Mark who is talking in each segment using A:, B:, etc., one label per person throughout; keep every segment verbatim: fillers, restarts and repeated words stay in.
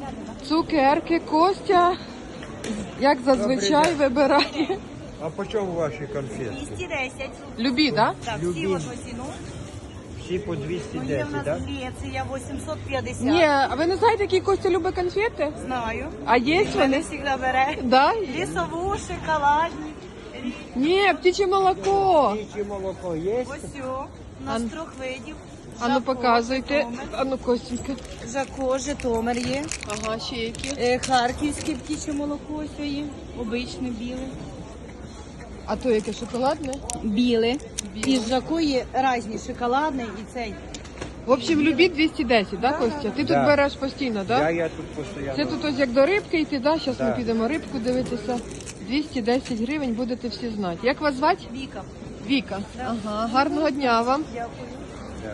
A: Цукерки, Костя, як зазвичай, вибирає.
B: А по чому ваші конфетки?
C: двісті десять.
A: Любі, так?
C: Так, всі
B: Любі.
C: в одну ціну.
B: Всі по двісті
C: Є в
B: десять,
C: нас
B: так?
C: Греція вісімсот п'ятдесят.
A: Ні, а ви не знаєте, які Костя любить конфети?
C: Знаю.
A: А є
C: Мене
A: вони?
C: завжди бере.
A: Да?
C: Лісову, шоколадні.
A: Ні, птиче молоко.
B: Птиче молоко є?
C: Ось о, у нас
A: Ан-
C: трьох видів.
A: А ну
C: Жако,
A: показуйте.
C: Житомир.
A: А ну, Костенька.
C: Жако, Житомир є.
A: Ага, ще які.
C: Е, Харківське птіче молоко ось є. Обичне біле.
A: А то яке шоколадне?
C: Біле.
A: Біле.
C: І з Жако є різні, шоколадний і цей.
A: В общем, любі двісті десять, да, Костя? Ти тут
B: Да.
A: береш постійно,
B: Я,
A: да?
B: я тут постійно.
A: Це тут ось як до рибки йти, да? Зараз ми
B: Да.
A: підемо рибку дивитися. двісті десять гривень будете всі знати. Як вас звати?
C: Віка.
A: Віка. Ага, гарного дня вам.
C: Дякую.
B: Да.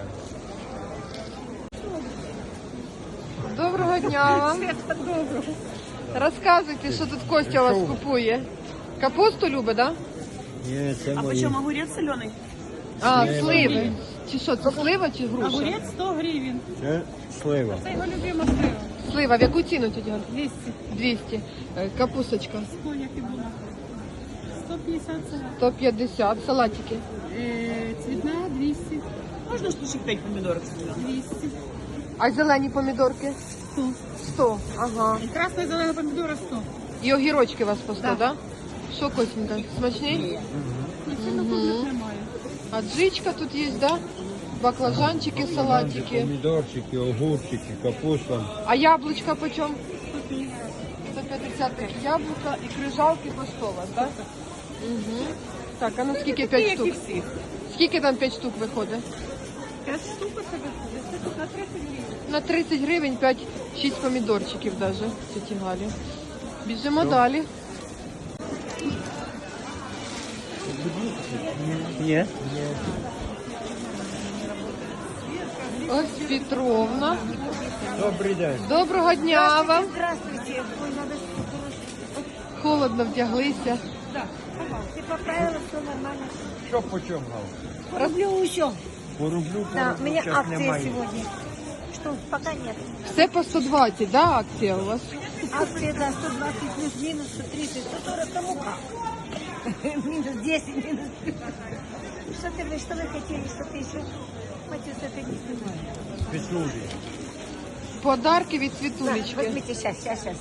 A: Доброго дня вам. Розказуйте, що тут Костя у вас купує. Капусту любить, да?
B: Ні, це
C: А
B: мої.
C: почему огурец соленый?
A: А, сливи. Чи що, це слива чи груша?
C: Огурец сто гривен.
B: Це слива.
C: Це його любима слива.
A: Слива, в яку ціну тетя Галь?
C: двісті.
A: двісті. Е, Капусточка
C: Коня фігура. сто п'ятдесят салат.
A: сто п'ятдесят. Салатики.
C: Е, цвітна двісті. Можна штучок п'ять помідорок? двісті.
A: А зелені помідорки?
C: сто.
A: сто. Ага.
C: І красна і зелена помідора сто.
A: І огірочки у вас по сто,
C: Да.
A: да? Що, Костенька, смачний?
C: Немає.
A: А джичка тут є, да? Баклажанчики, салатики.
B: Помідорчики, огурчики, капуста.
A: А яблучка почем? сто п'ятдесят яблука і крижалки по сто у вас, так? Угу. Так, а ну скільки п'ять штук?
C: всіх.
A: Скільки там п'ять штук виходить?
C: п'ять штук це виходить. На тридцять гривень.
A: На тридцять гривень п'ять-шість помідорчиків даже, ці Галі. Біжимо далі.
B: Ні.
A: Ось Петровна.
B: Добрий день.
A: Доброго дня вам.
C: Здравствуйте. Ой, надо...
A: Холодно вдяглися.
C: Ти поправила, все нормально.
B: Що по чому?
C: Рублю еще.
B: По рублю, по
C: Да, у
B: рублю
C: меня
B: щас
C: акция
B: немає.
C: сегодня. Что, пока нет.
A: Все по сто двадцять, да, акція у вас?
C: Акция, да, сто двадцать плюс минус, сто тридцать, сто сорок, кому как. Минус десять, минус плюс. Что ты, вы, что вы хотели, что ты еще? Матюс, это не снимаю.
B: Петлюрі.
A: Подарки від
C: На,
A: Світулечки.
C: возьмите, сейчас, сейчас, сейчас.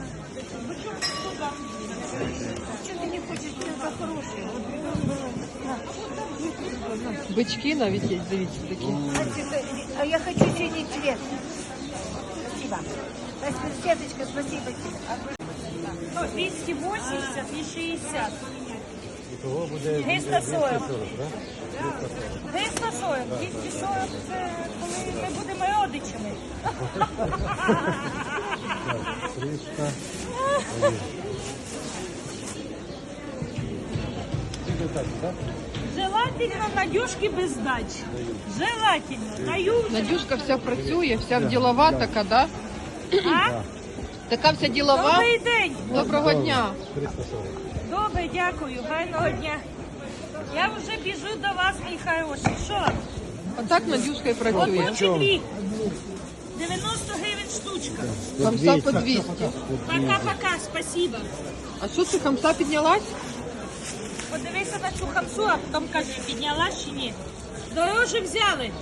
C: Что ты не хочешь, это хорошее. Вот, на.
A: Бички навіть є, дивіться такі.
C: А тебе- А я хочу синий цвет. Спасибо. Спасибо, Светочка, спасибо тебе.
D: Ну, двісті вісімдесят і шістдесят.
B: Того буде
D: триста сорок.
B: так?
D: триста сорок. двісті сорок це коли ми будемо родичами.
B: триста.
D: Желательно Надюшки без дачі. Желательно. Даю.
A: Надюшка вся працює, вся в ділова така, да?
D: А?
A: Така вся ділова.
D: Добрий день.
A: Доброго дня.
B: триста сорок.
D: Добре, дякую. Гарного дня. Я вже біжу до вас, мій хороший. Що?
A: Отак Надюшка і працює.
D: Одну чи дві? дев'яносто гривень штучка.
A: Хамса по двісті.
D: Пока-пока, спасибо.
A: А що це, хамса піднялась?
D: Подивися на цю хамсу, а потім кажи, піднялась чи ні. Дороже взяли.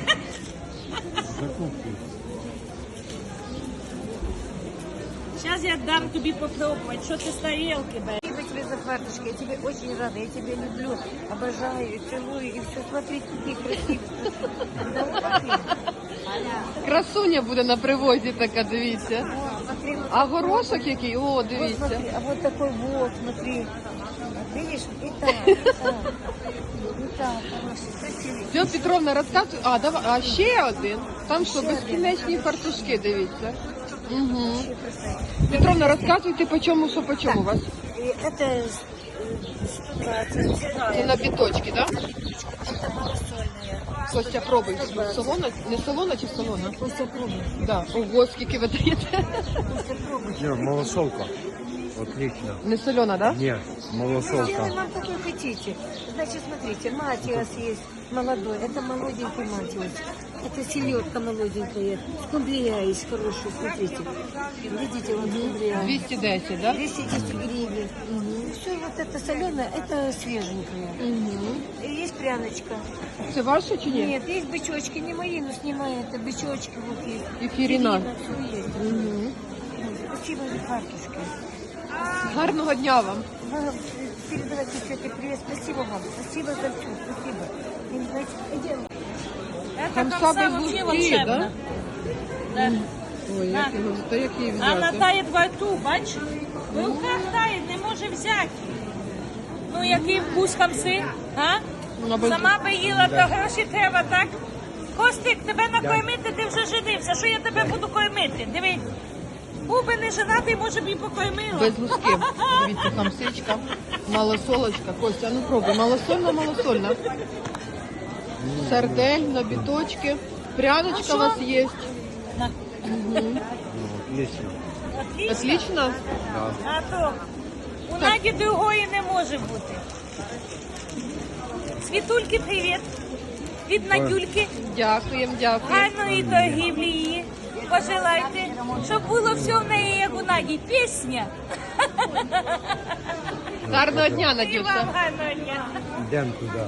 D: Зараз я дам тобі попробувати, що ти з тарілки береш.
C: Спасибо тебе за фартушки, я тебе очень рада, я тебя люблю, обожаю, и целую, и все, смотри, какие красивые. Да вот такие. Аля,
A: Красуня буде на привозі така, дивіться.
C: вот, смотри, вот,
A: А горошок який? О,
C: вот
A: дивіться.
C: смотри, а вот такой вот, смотри. Видишь, и так, и так, и так, хороший, красивый.
A: Все, Петровна, розказуй. А, давай, а ще один. Там що, безкінечні фартушки, дивіться. Угу.
C: Вообще красавец.
A: Петровна, розказуйте, по чому, що по чому у вас?
C: И это э, сто двадцать.
A: Це на біточки, так? Да?
C: Это малосольная.
A: Костя, пробуй. Солона, не солона чи солона?
C: Костя, пробуй.
A: Да. Ого, скільки ви даєте?
C: Костя, пробуй.
B: Ні, малосолка. Отлично.
A: Не солона, да?
B: Ні, малосолка.
C: Сделай нам какой хотите. Значит, смотрите, матиас есть молодой. Это молоденький матиас. Это селедка молоденькая. Скумбрия есть хорошая, смотрите. Видите, вот скумбрия.
A: двісті десять, да?
C: двести десять гривен. Все вот это соленое, это свеженькое. И есть пряночка.
A: Це ваше чи ні?
C: Нет, есть бычочки, не мои, но снимай, это бычочки вот есть.
A: І фіріна.
C: Все есть. Спасибо за картушки.
A: Гарного дня вам.
C: Вы передавайте тете привет. Спасибо вам. Спасибо за все. Спасибо. И, знаете, идем.
D: Это
A: Хамса
D: хамса
A: без
D: вообще
A: луки,
D: волшебно.
A: да?
D: Да.
A: Ой,
D: На.
A: як його, та як її
D: А вона
A: взяти?
D: тає в рту, бач? В руках тає, не може взяти. Ну, який вкус хамси, а?
A: Вона без-
D: Сама би їла, то гроші треба, так? Костик, тебе накормити, ти вже женився. Що я тебе буду кормити? Диви. Був би не женатий, може б і покормила.
A: Без лусків. Дивіться, хамсичка, малосолочка. Костя, ну пробуй. Малосольна, малосольна. Сардель на біточки. Пряночка
D: А
A: у вас
D: що?
A: є.
D: На.
B: Ну, отлично.
D: Отлично.
A: Отлично.
B: Да.
D: А то у Наді другої не може бути. Світульки, привіт. Від Надюльки.
A: Дякуємо, дякую.
D: Гарної торгівлі її. Пожелайте, щоб було все в неї, як у Наді. Пісня.
A: Гарного дня,
D: І
A: Надюша.
D: вам гарного дня.
B: Йдемо туди.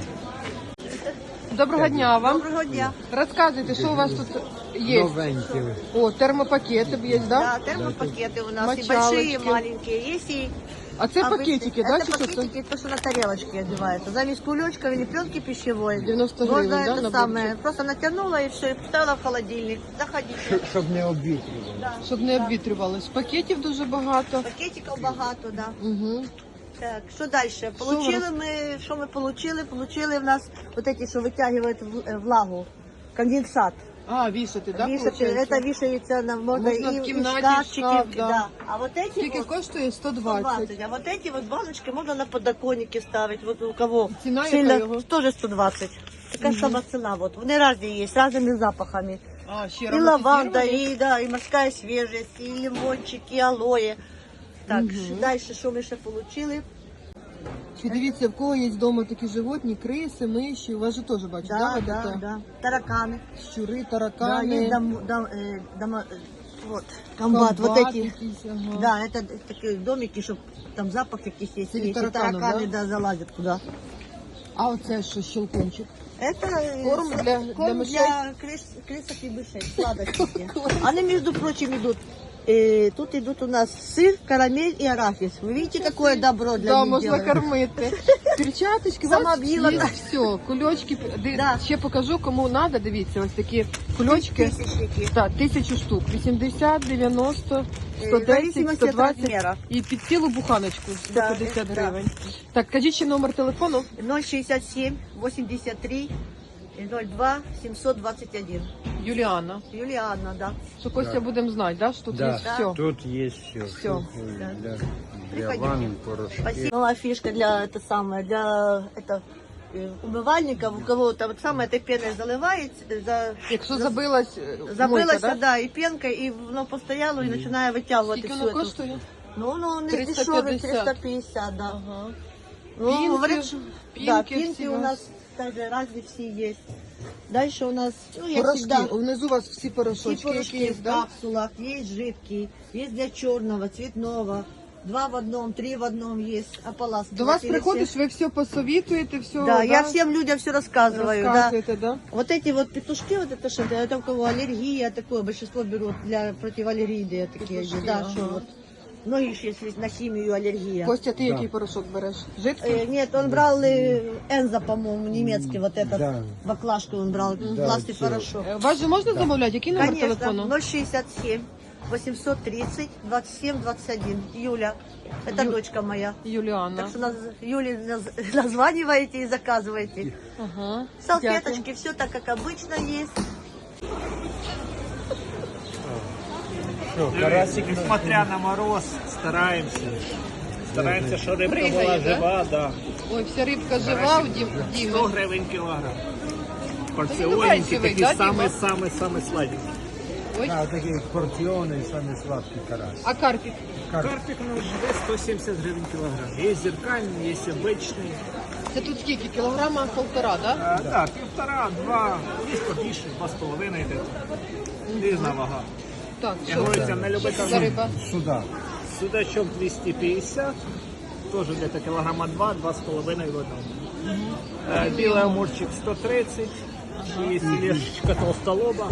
A: Доброго дня вам.
E: Доброго дня.
A: Розказуйте, що у вас тут є.
B: Новенькі.
A: О, термопакети є, да?
E: Да, термопакеты у нас и
A: Мочалочки.
E: большие, и маленькие. Есть и
A: А це
E: обычные.
A: пакетики, да,
E: Это
A: чи що це?
E: пакетики, то, что на тарелочке одевается. Замесь кулечков или пленки пищевой.
A: девяносто
E: Можно
A: гривен, да,
E: это
A: наборчик?
E: самое. Просто натянула и все, и поставила в холодильник. Заходите.
B: Щоб не обвітрювали.
A: Щоб не обвітрювалось. Пакетів дуже багато.
E: Пакетиков багато, да.
A: Угу.
E: Так, что дальше? Получили мы, что мы получили? Получили в нас вот эти, что вытягивают в- э, влагу. Конденсат.
A: А, вішати, да,
E: Вешать,
A: получається?
E: это вешается на можно,
A: Можно
E: и,
A: в
E: и
A: кімнаті,
E: шкафчики.
A: шкаф, да.
E: да. А вот эти
A: Скільки
E: вот,
A: коштує? сто
E: сто
A: двадцять.
E: двадцать. А вот эти вот баночки можно на подоконнике ставить. Вот у кого
A: Цена
E: сильно,
A: яка його?
E: тоже сто двадцать. Такая сама цена. Вот. Вони разные есть, с разными запахами.
A: А, ще
E: И лаванда,
A: ароматизовані?
E: и, да, и морская свежесть, и лимончик, и алоэ. Так, ш- дальше, що ми ще получили?
A: Чи дивіться, в кого є вдома такі животні, криси, миші, у вас же теж бачу, да,
E: Да,
A: вот
E: да,
A: это?
E: да. Тараканы.
A: Щури,
E: Да,
A: таракани,
E: есть дом, дом, э, дома, э, вот, комбат, вот
A: комбат
E: эти.
A: якийсь, ага.
E: Да, это такие домики, чтобы там запах каких есть.
A: Или
E: Если
A: тараканов,
E: тараканы,
A: да?
E: да, залазят туда.
A: А оце що, щелкунчик?
E: Это э,
A: Корм
E: с-
A: для- для
E: корм
A: мышей?
E: для крыс, крысок и мышей, сладости. Они, между прочим, идут. э, тут идут у нас сыр, карамель и арахис. Вы видите, какое добро для
A: Да,
E: них
A: можна
E: делаем?
A: кормити. Перчаточки,
E: Сама
A: у вас
E: б'їла,
A: є
E: так.
A: все, кульочки. Ди-
E: Да.
A: Ще покажу, кому треба, дивіться, ось такі кульочки.
E: Тысячники.
A: Так, тисячу штук, вісімдесят, дев'яносто,
E: Е,
A: сто
E: в
A: десять,
E: зависимости
A: сто
E: від
A: двадцять
E: розміру.
A: і під цілу буханочку сто
E: Да,
A: п'ятдесят
E: да.
A: гривень. Так, кажіть ще номер телефону.
E: ноль шестьдесят семь восемьдесят три ноль два семьсот двадцать один.
A: Юліана.
E: Юлианна, да.
A: Що Костя будемо знати, да, що тут
B: Да.
A: є все.
B: Тут є все.
A: Все.
B: Для, для
E: Приходите.
B: ванн, порошки.
E: Спасибо. Новая фишка для это самое, для это э, умывальников, у кого там вот самое этой пеной заливает, э, за,
A: Якщо
E: за-
A: забилась, е,
E: забылась,
A: мойка, да?
E: да, и пенкой, и воно постояло, и начинаю вытягивать
A: Скільки
E: всю
A: воно
E: эту.
A: коштує?
E: Ну, ну, не
A: триста
E: дешевый,
A: п'ятдесят.
E: триста пятьдесят, да.
A: Ага.
E: Ну,
A: Пинки,
E: говорят, что-
A: пинки
E: да, пинки
A: все
E: у
A: у
E: нас также разные все есть. Дальше у нас, ну, я
A: Порошки.
E: всегда...
A: Внизу у вас всі
E: Все
A: порошочки,
E: порошки
A: які є,
E: в
A: да?
E: капсулах, есть жидкий, есть для черного, цветного, два в одном, три в одном есть, ополаскиватели.
A: До вас
E: все.
A: приходиш, ви все посовітуєте, все,
E: Да, я всем людям все рассказываю, да.
A: розказуєте, да?
E: Вот эти вот петушки, вот это что, это у кого аллергия, такое большинство берут для противоаллергии такие,
A: Петушки,
E: да,
A: ага.
E: что вот. Многие же, если на химию аллергия.
A: Костя, ти
B: Да.
A: який порошок береш? Жидкий?
E: Э, нет, он брал э, Энза, по-моему, немецкий, вот этот,
B: Да.
E: баклажку он брал,
B: Да,
E: классный
B: всё.
E: порошок.
A: Е, Вас же можна замовляти? Який номер
E: Конечно,
A: телефону?
E: ноль шестьдесят семь восемьсот тридцать двадцать семь двадцать один. Юля, это
A: Ю-
E: дочка моя.
A: Юліана.
E: Так что наз... Юле наз- названиваете и заказываете.
A: Ага.
E: Салфеточки, все так, как обычно есть.
B: Що, карасик?
F: Несмотря на мороз, стараемся. Стараємося, щоб рибка
A: Пригає,
F: була
A: да?
F: жива, да.
A: Ой, вся рибка жива у Дім-
F: сто
A: Діми.
F: гривень кілограм.
A: Він
F: Порціоненькі,
A: бачивий,
F: такі
A: да, Діма?
F: самі-самі-самі сладенькі.
A: Ой.
B: А, такі порціони і самі сладкі карасик.
A: А карпік?
F: Карпик ну, живе сто сімдесят гривень кілограм. Є зеркальний, є обичний.
A: Це тут скільки? Кілограма полтора, да?
F: Так, да, півтора, два, є побільше, два з половиною йде. Різна вага.
A: Так,
F: Я
A: що
F: говорю,
A: це?
F: це не любить
A: Що це за риба?
B: Сюда.
F: Судачок двісті п'ятдесят, теж где-то кілограма два, два з половиною в одному. Е, Білий амурчик сто тридцять, і філешечка толстолоба,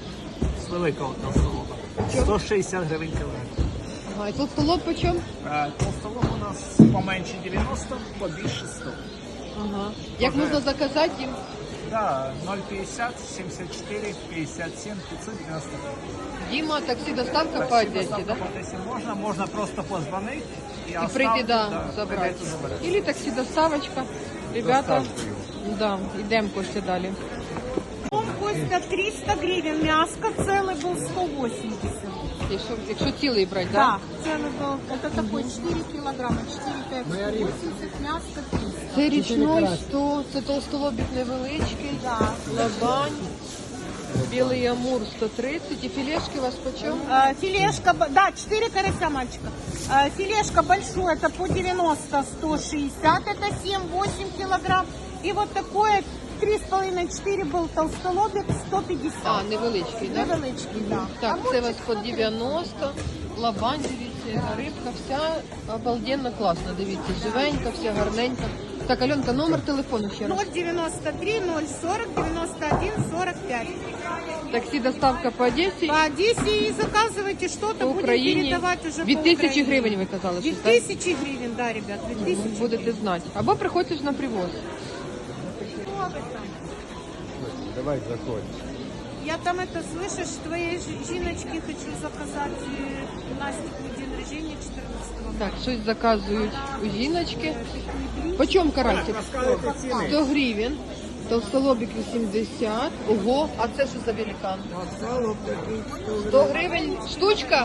F: з великого толстолоба. сто шістдесят гривень кілограм.
A: Ага, і тут столоб по чому?
F: Е, Толстолоб у нас поменше дев'яносто, побільше сто.
A: Ага. Як
F: Може.
A: можна заказати їм?
F: Да, ноль п'ятдесят, сімдесят чотири, п'ятдесят сім, п'ятсот дев'яносто.
A: Діма, таксі доставка по Одесі, да?
F: Якщо можна, можна просто позвонити і,
A: І
F: оставити,
A: прийти, да,
F: да,
A: забрати.
F: прийдете, заберете.
A: Или таксі доставочка. Ребята,
B: Доставкою.
A: да, йдемо Костя далі.
C: Костя, триста гривен, мяско целый был сто восемьдесят.
A: Якщо, якщо цілий брати,
C: Да,
A: да?
C: целый был. Это такой четыре килограмма, четыре пять, сто восемьдесят, мяско триста.
A: Це річной сто, це толстолобік невеличкий,
C: Да.
A: лабань, білий амур сто тридцать. І філешки у вас по чому?
C: Э, Филешка, б- да, четыре карася, мальчика. Э, Филешка большой, это по девяносто, сто шестьдесят, это семь-восемь килограмм. И вот такое три с половиной четыре был толстолобик, сто пятьдесят.
A: А, невеличкий, да?
C: Невеличкий, да.
A: Так, це у вас по дев'яносто, лабань, дивіться, рибка вся обалденно класна, дивіться, живенька, вся гарненька. Так, Альонка, номер телефону ще раз.
C: ноль девяносто три ноль сорок девяносто один сорок пять.
A: Таксі доставка по Одесі,
C: По Одессе и заказывайте что-то,
A: по
C: будем
A: Україні.
C: передавать уже
A: Від
C: по
A: тисячі
C: Украине.
A: гривень ви казали, що
C: Від
A: так?
C: тисячі гривень, да, ребят, від тисячі.
A: Будете знати. Або приходьте ж на привоз.
C: Что вы там?
B: Давай заходь.
C: Я там это, слышишь, твоей жи- жіночки хочу заказать э, Настику день рождения четырнадцатого.
A: Так, щось заказують у жіночки. По чому карасик? сто гривень. Толстолобик вісімдесят. Ого, а це що за великан? сто гривень штучка?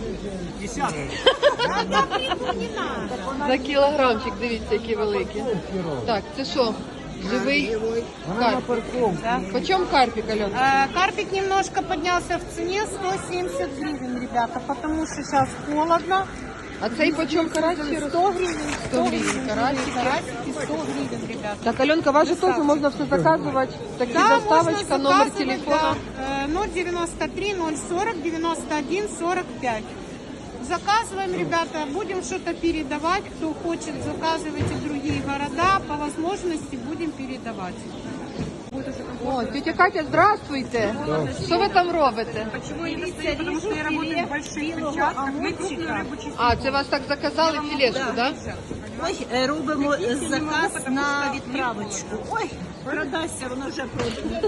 A: За кілограмчик, дивіться, які великі. Так, це що? Живий карпік. По чому карпік, Альона?
C: Э, Карпик немножко поднялся в цене, сто семьдесят гривен, ребята, потому что сейчас холодно.
A: А цей по чому карась? ще раз?
C: сто гривен,
A: сто гривень карасики.
C: карасики, сто гривен, ребята.
A: Так, Альонка, вас же теж можна все заказувати. Такі
C: Да,
A: доставочка,
C: можно
A: номер
C: заказывать,
A: телефона.
C: да. Э, ноль девяносто три ноль сорок девяносто один сорок пять. Заказываем, ребята, будем что-то передавать. Кто хочет, заказывайте в другие города. По возможности будем передавать.
A: О, тетя Катя, здравствуйте. Що ви там робите?
C: Потому что я работаю в больших перчатках. Мы крупную рыбу чистим.
A: А, це вас так заказали філешку, так?
E: Ой, е, робимо заказ на відправочку. Ой, продасться, воно вже продано.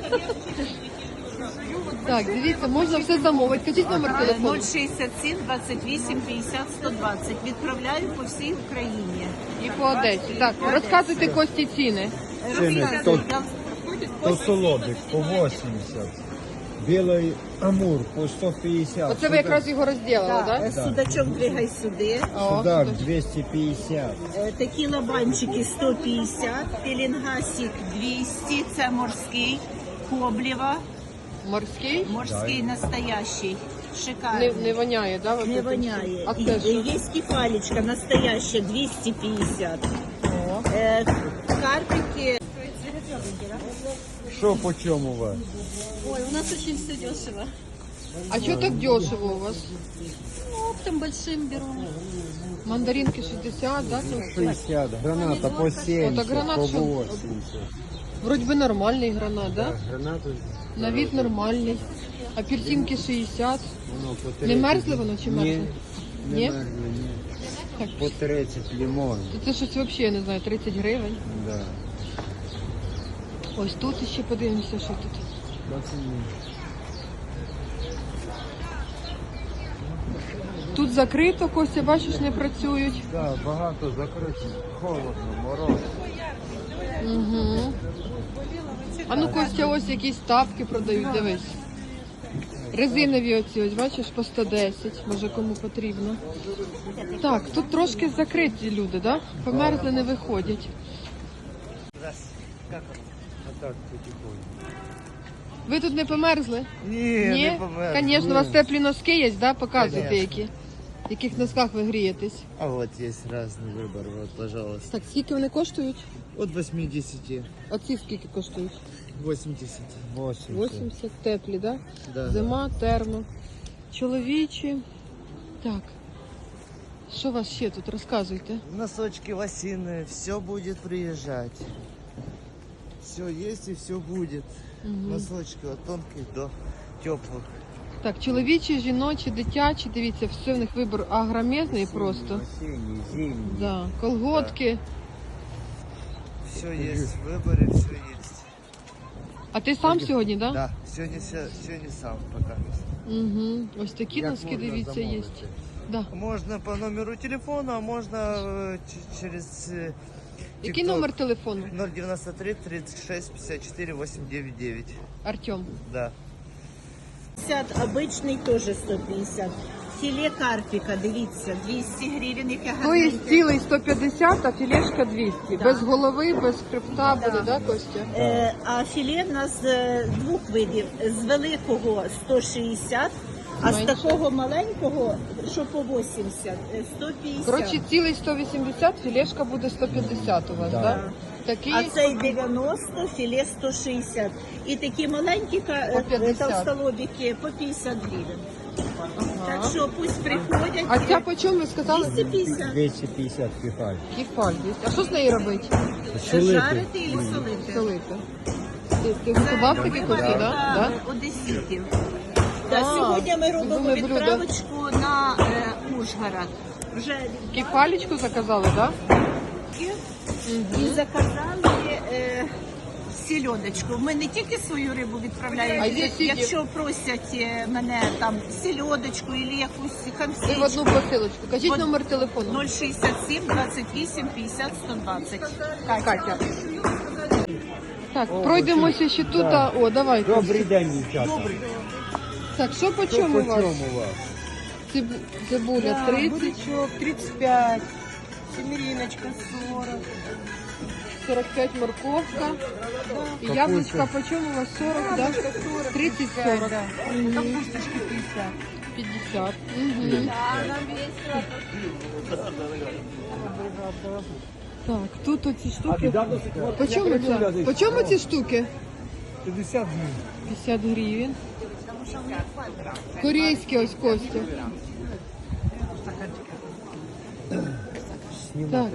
A: Так, дивіться, можна все замовити. Кажіть номер телефону.
E: ноль шістдесят сім двадцять вісім п'ятдесят сто двадцять. Відправляю по всій Україні.
A: І по Одесі. Так, розказуйте Кості ціни.
B: Ціни то- Толстолобик по вісімдесят. Білий амур по сто п'ятдесят.
A: Оце ви якраз його розділили, так?
E: Е, Судачок двигай сюди.
B: Судак двісті п'ятдесят.
E: Е, Такі лабанчики сто п'ятдесят, пелінгасик двісті, це морський, коблєва,
A: Морський?
E: морський настоящий, шикарний.
A: Не, не воняє, так? Да?
E: Не воняє.
A: А
E: І-
A: це що?
E: Є кефалечка настоящая двісті п'ятдесят.
A: О.
E: Е, Карпики.
B: Що по чому у вас?
G: Ой, у нас очень все дешево.
A: А що так дешево у вас?
G: Ну, оптом большим беру.
A: Мандаринки шістдесят, да? Це
B: шістдесят. Граната по
A: О,
B: сімдесят,
A: так гранат
B: по
A: що?
B: вісімдесят.
A: Вроді би нормальний гранат, да?
B: Гранату
A: На вид нормальний. Апельсинки шістдесят.
B: воно по
A: Не
B: тридцять.
A: мерзли воно чи мерзли?
B: Ні, не
A: Ні?
B: мерзли, ні.
A: Так.
B: По тридцять лимон.
A: Це щось взагалі, я не знаю, тридцять гривень.
B: Да.
A: Ось тут ще подивимося, що тут. Тут закрито, Костя, бачиш, не працюють.
B: Да, багато закрито. Холодно, мороз.
A: Угу. А ну, Костя, ось якісь тапки продають, дивись. Резинові оці, ось бачиш, по сто десять, може кому потрібно. Так, тут трошки закриті люди, да? Померзли, не виходять.
B: А так потихоньку.
A: Ви тут не померзли?
B: Ні,
A: Ні?
B: не померз.
A: Звісно, у вас теплі носки є, да? Показуйте
B: Конечно.
A: які. В яких носках ви грієтесь?
B: А вот есть разный выбор, вот, пожалуйста.
A: Так, скільки вони коштують?
B: От восьмидесяти.
A: А ці скільки коштують?
B: восемьдесят. восемьдесят.
A: вісімдесят, теплі, да?
B: Да.
A: Зима, термо. Чоловічі. Так. Що у вас ще тут? Розказуйте.
B: Носочки лосиные, все будет приезжать. Все есть и все будет. Носочки от тонких до теплых.
A: Так, чоловічі, жіночі, дитячі, дивіться, все в них вибір агромезний просто.
B: Осенний, зимний.
A: Да. Колготки.
B: Все есть в выборе, все есть.
A: А ти сам сьогодні, да?
B: Да, сегодня, ся- сегодня сам пока.
A: Угу. Ось такі
B: Як
A: носки,
B: можна
A: дивіться, є.
B: замовити?
A: Да.
B: Можно по номеру телефона, а можно э, ч- через э,
A: Який
B: TikTok.
A: номер телефону?
B: ноль девяносто три тридцать шесть пятьдесят четыре восемь девять девять.
A: Артем.
B: Да.
C: пятьдесят, обичний теж сто п'ятдесят. Філе карпіка, дивіться, двісті гривень, яке
A: То є
C: гарненьке.
A: цілий сто п'ятдесят, а філешка двісті. Без голови, без хребта буде, да, Костя?
C: Е, а філе в нас е, двох видів. З великого сто шістдесят, а з
A: Менше.
C: такого маленького, що по вісімдесят, е, сто п'ятдесят.
A: Коротше, цілий сто вісімдесят, філешка буде сто п'ятдесят у вас, так? Да. Такий
C: А цей дев'яносто, філе сто шістдесят. І такі маленькі ка-
A: По
C: е,
A: п'ятдесят.
C: толстолобики по п'ятдесят гривень. Так
A: Ага.
C: що пусть приходять.
A: А ця по чому ви сказали?
C: двісті п'ятдесят.
B: двести пятьдесят кефаль.
A: Кефаль є. А що з нею робити?
C: Жарити і солити.
A: Солити. Ти, ти готував такі кості, так? Да? Да?
C: Одеситів.
A: А,
C: Та сьогодні ми робимо
A: любиме блюдо.
C: відправочку на е, Ужгород. Вже
A: Кефалечку заказали, так? Да?
C: і заказали е, сільодочку. Ми не тільки свою рибу відправляємо,
A: А є сіді?
C: якщо просять е, мене там сільодочку або якусь
A: І в
C: хамсичку.
A: одну посилочку. Кажіть
C: От-
A: номер телефону.
C: нуль шістдесят сім двадцять вісім п'ятдесят сто двадцять. Катя.
A: Катя. Так, пройдемося ще тут. а- О, давайте.
B: Добрий день, дівчата.
A: Так, що по
B: Що
A: чому
B: по
A: у вас?
B: чому у вас?
A: Циб- Цибуля тридцять,
C: Бурячок тридцять п'ять, семериночка сорок.
A: сорок п'ять морковка. І яблучка по чому у вас? сорок, да? тридцять сорок.
C: Капусточки п'ятдесят.
A: п'ятдесят. Угу. Так, тут оці штуки. По чому ця? По чому ці штуки?
B: п'ятдесят гривень.
A: п'ятдесят гривень. Корейські ось Костя. Так.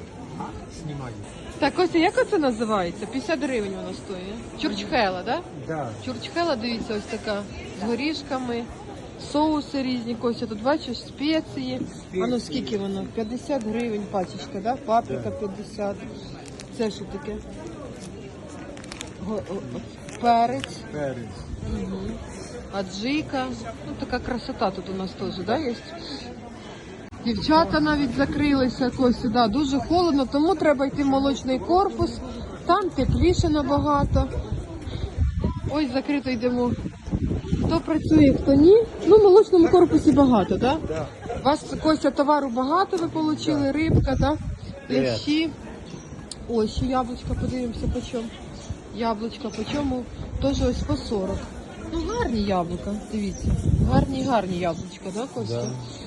A: Так, Костя, як оце називається? п'ятдесят гривень вона стоїть. Чурчхела, так? Да?
B: Да.
A: Чурчхела, дивіться, ось така з горішками, соуси різні, Костя, тут бачиш, спеції. А ну скільки воно? п'ятдесят гривень пачечка, да? Паприка п'ятдесят. Це що таке? Го- о- о- Перець,
B: Перець.
A: аджика. Ну, така красота тут у нас теж, да, є? Дівчата навіть закрилися, Костя, да, дуже холодно, тому треба йти в молочний корпус. Там тепліше набагато. Ось закрито йдемо. Хто працює, хто ні. Ну, в молочному корпусі багато, так? Да?
B: Да.
A: У вас, Костя, товару багато ви отримали, рибка, так?
B: Привіт.
A: Лещі. Ось, ще яблучка, подивимося, по чому. Яблучка, по чому? Теж ось по сорок. Ну, гарні яблука, дивіться. Гарні, гарні яблучка, так, да, Костя?
B: Да.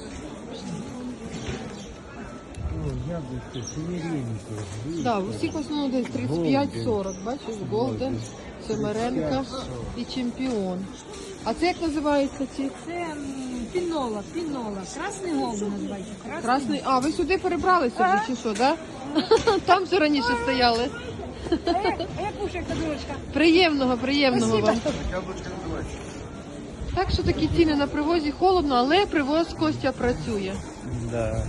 B: О, яблучко, семеринки.
A: Да, у всіх в основному десь тридцять п'ять сорок, бачиш, Голден, Семеренка і Чемпіон. А це як називається ці?
G: Це м, пінола, пінола. Красний голуб називається. Красний.
A: Красний. А, ви сюди перебралися вже чи що, да? Там вже раніше стояли.
G: А як кушає кадурочка?
A: Приємного, приємного вам. Так що такі ціни на привозі холодно, але привоз Костя працює.
B: Да.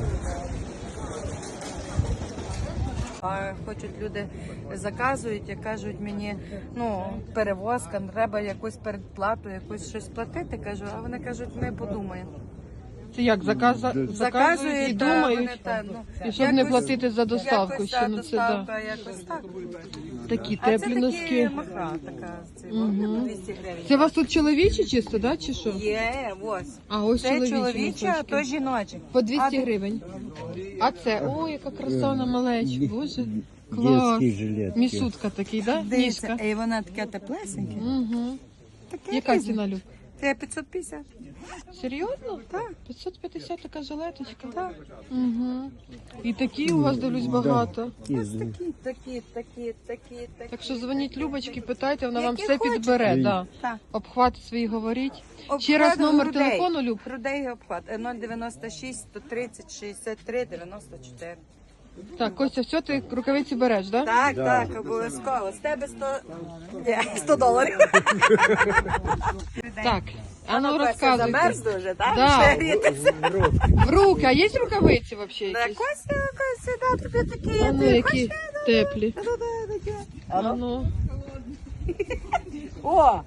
H: А хочуть люди заказують і кажуть мені, ну перевозка, треба якусь передплату, якусь щось платити. Кажу, а вони кажуть, ми подумаємо.
A: Це як заказа... заказують і
H: та,
A: думають,
H: вони та, ну,
A: і щоб не
H: якось-
A: платити за доставку
H: якось,
A: ще.
H: та,
A: Ну це
H: доставка,
A: да.
H: якось так.
A: Такі
H: А це
A: теплі
H: такі
A: носки.
H: махра, така, це,
A: Мгм.
H: двісті гривень.
A: Це у вас тут чоловічі чисто, да, чи що?
H: Є, ось.
A: А ось
H: Це
A: чоловічі
H: чоловіче, а
A: носочки.
H: то жіночі.
A: По двісті
H: А,
A: гривень. А це, ой, яка краса на малеч, боже. Клас.
B: Детські жилетки.
A: Місутка такий, да?
H: Дивіться,
A: Ніжка.
H: і вона таке теплесеньке.
A: Угу.
H: Таке
A: Яка
H: різне.
A: ціна, Люб?
H: Це п'ятсот п'ятдесят.
A: Серйозно? Так. п'ятсот п'ятдесят така жилеточка? Так. Угу. І такі у вас, дивлюсь, багато.
H: Ось такі, такі, такі, такі, такі.
A: Так що дзвоніть Любочки, питайте, вона вам
H: Які
A: все
H: хочете.
A: підбере. Да.
H: Так.
A: Обхвати свої говоріть.
H: Обхват
A: Ще раз номер
H: грудей.
A: телефону, Люб.
H: Грудей обхват. Е, нуль дев'яносто шість сто тридцять шістдесят три дев'яносто чотири.
A: Так, Костя, все, ти рукавиці береш, да?
H: Так, так, обов'язково. З тебе сто... Ні, сто доларів.
A: Так, а ну
H: Костя
A: розказуйте.
H: замерз дуже, так?
A: Да.
H: Ще грітися.
A: В руки, а є рукавиці взагалі
H: Да,
A: якісь?
H: Костя, Костя, да, тобі такі.
A: А ну,
H: ти
A: які
H: хочеш?
A: теплі.
H: Да-да-да, такі.
A: А ну.
H: О!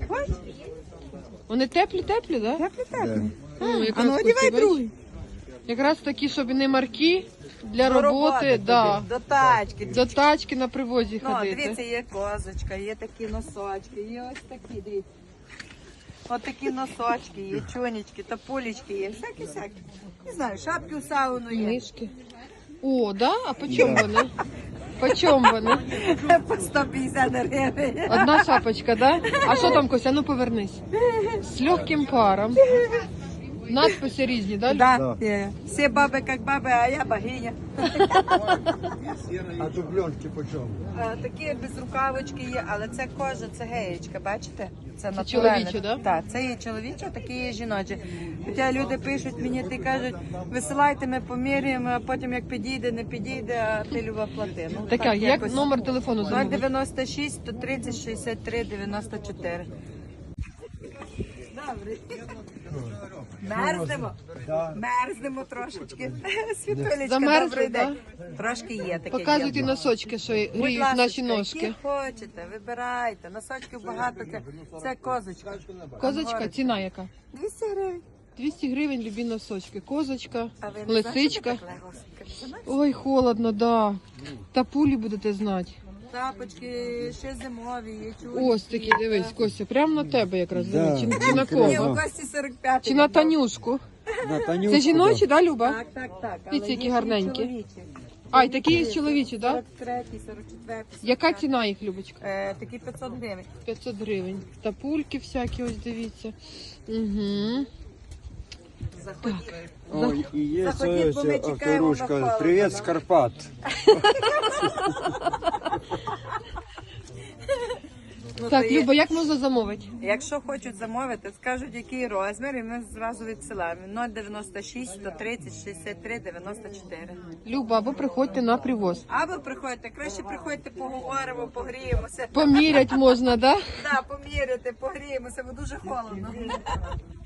A: Вони теплі-теплі, да?
H: Теплі, теплі.
A: Ну, якраз
H: А ну, одівай
A: Костя, бачиш?
H: другий.
A: Якраз такі, щоб не марки для
H: До
A: роботи,
H: тобі,
A: да.
H: До тачки.
A: До тачки на привозі
H: Ну,
A: ходити.
H: дивіться, є козочка, є такі носочки, є ось такі, дивіться. Ось такі носочки, є чонечки, топулечки є, всякі-всякі. Не знаю, шапки у сауну є.
A: Книжки. О, да? А по чому вони? По чому вони?
H: По сто п'ятдесят гривень.
A: Одна шапочка, да? А що там, Костя? Ну повернись. З легким паром. Надписи різні, да? Люб?
H: Да, є. Всі баби як баби, а я богиня.
I: А дубленки по чому?
H: Е, Такі безрукавочки є, але це кожа, це геєчка, бачите? Це, натуральне.
A: чоловічі, да?
H: Так, це є чоловічі, а такі є жіночі. Хоча люди пишуть мені, ти кажуть, висилайте, ми поміряємо, а потім як підійде, не підійде, а ти люба плати. Ну,
A: Так, як
H: якось.
A: номер телефону
H: нуль
A: замовити?
H: дев'яносто шість сто тридцять шістдесят три дев'яносто чотири. Добре. Мерзнемо. Мерзнемо трошечки. Світулечка,
A: Замерзли,
H: добрий
A: да?
H: день. Трошки є таке.
A: Показуйте
H: є.
A: носочки, що
H: Будь
A: гріють
H: ласка,
A: наші
H: які
A: ножки.
H: хочете, вибирайте. Носочків багато. Це, це козочка.
A: Козочка,
H: Ангорочка.
A: ціна яка?
H: двісті гривень.
A: двісті гривень любі носочки. Козочка,
H: А ви не
A: лисичка.
H: знаєте, так легко? Знаєте?
A: Ой, холодно, да. Та пулі будете знати.
H: Тапочки, ще зимові, є чулі.
A: Ось такі, дивись, Костя, прямо на тебе якраз.
I: Да.
A: Чи, чи на
H: Ні,
A: кого?
H: у Кості сорок п'ять.
A: Чи на Танюшку?
I: На Танюшку,
A: Це жіночі, да, Люба?
H: Так, так, так.
A: Дивіться,
H: Але
A: які
H: є і
A: гарненькі.
H: чоловічі.
A: А, і такі є чоловічі, да?
H: сорок третій, сорок четвертий.
A: Яка ціна їх, Любочка?
H: Е, такі п'ятсот гривень.
A: п'ятсот гривень. Та пульки всякі, ось дивіться. Угу.
H: Заходіть.
I: Ой, і є
H: Заходіть, бо ми
I: ось
H: чекаємо на
I: авторушка.
H: холодно,
I: Привіт
H: да.
I: з Карпат.
H: Ну,
A: Так,
H: то є-
A: Люба, як можна замовити?
H: Якщо хочуть замовити, скажуть, який розмір, і ми зразу відсилаємо. нуль дев'яносто шість сто тридцять шістдесят три дев'яносто чотири.
A: Люба, або приходьте на привоз.
H: Або приходьте, краще приходьте, поговоримо, погріємося.
A: Помірять можна, да?
H: Да, поміряти, погріємося, бо дуже холодно.